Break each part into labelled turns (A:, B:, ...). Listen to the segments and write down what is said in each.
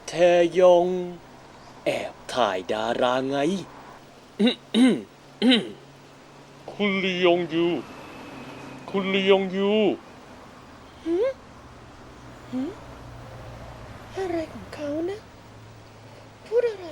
A: แทยองแอบถ่ายดาราไง
B: คุณลียงยู คุณลียงยู
C: อะไรของเขานะ พูดอะไร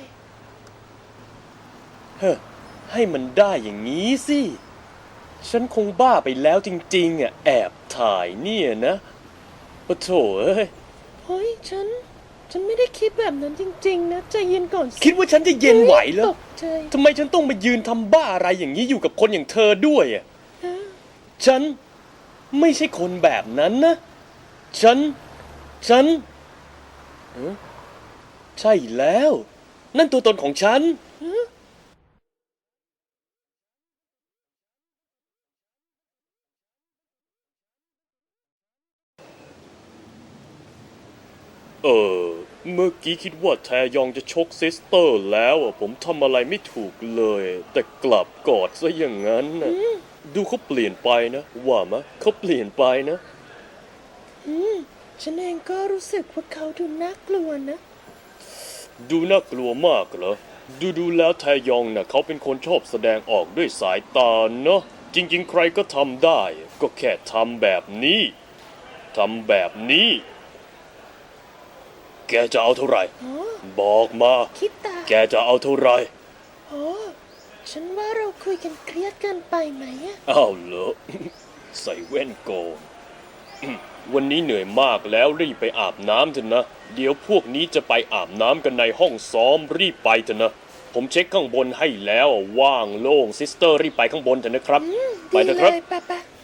A: เฮ้อให้มันได้อย่างนี้สิ ฉันคงบ้าไปแล้วจริงๆอ่ะแอบถ่ายเนี่ยนะปะโถเอ้ย
C: เฮ้ย ฉันไม่ได้คิดแบบนั้นจริงๆนะใจเย็นก่อนสิ
A: คิดว่าฉันจะเย็นไหวเหร
C: ต
A: อก
C: ใจ
A: ทำไมฉันต้องมายืนทำบ้าอะไรอย่างนี้อยู่กับคนอย่างเธอด้วยอ่ะ
C: นะ
A: ฉันไม่ใช่คนแบบนั้นนะ ฉันเอ้อใช่แล้ว นั่นตัวตนของฉัน เมื่อกี้คิดว่าแทยองจะชกซิสเตอร์แล้วอ่ะผมทำอะไรไม่ถูกเลย แต่กลับกอดซะอย่างนั้นนะดูเขาเปลี่ยนไปนะ ว่ามะเขาเปลี่ยนไปนะ
C: ฉันเองก็รู้สึกว่าเขาดูน่ากลัวนะ
A: ดูน่ากลัวมากเหรอ ดูแล้วแทยองน่ะเขาเป็นคนชอบแสดงออกด้วยสายตาเนาะ จริงๆใครก็ทำได้ ก็แค่ทำแบบนี้ ทำแบบนี้ แกจะเอาเท่าไหร่
C: อ๋อ
A: บอกมา
C: คิดตา
A: แกจะเอาเท่าไหร่
C: อ๋อ ฉันว่าเราคุยกันเครียดเกินไปไหมอะ
A: อ้าวเหรอ ใส่แว่นโกนวันนี้เหนื่อยมากแล้วรีบไปอาบน้ำเถอะนะ เดี๋ยวพวกนี้จะไปอาบน้ำกันในห้องซ้อมรีบไปเถอะนะ ผมเช็คข้างบนให้แล้วว่างโล่งซิสเตอร์รีบไปข้างบนเถอะนะครับ ไป
C: ดี
A: เถอะ
C: เล
A: ครับ
C: ยปะ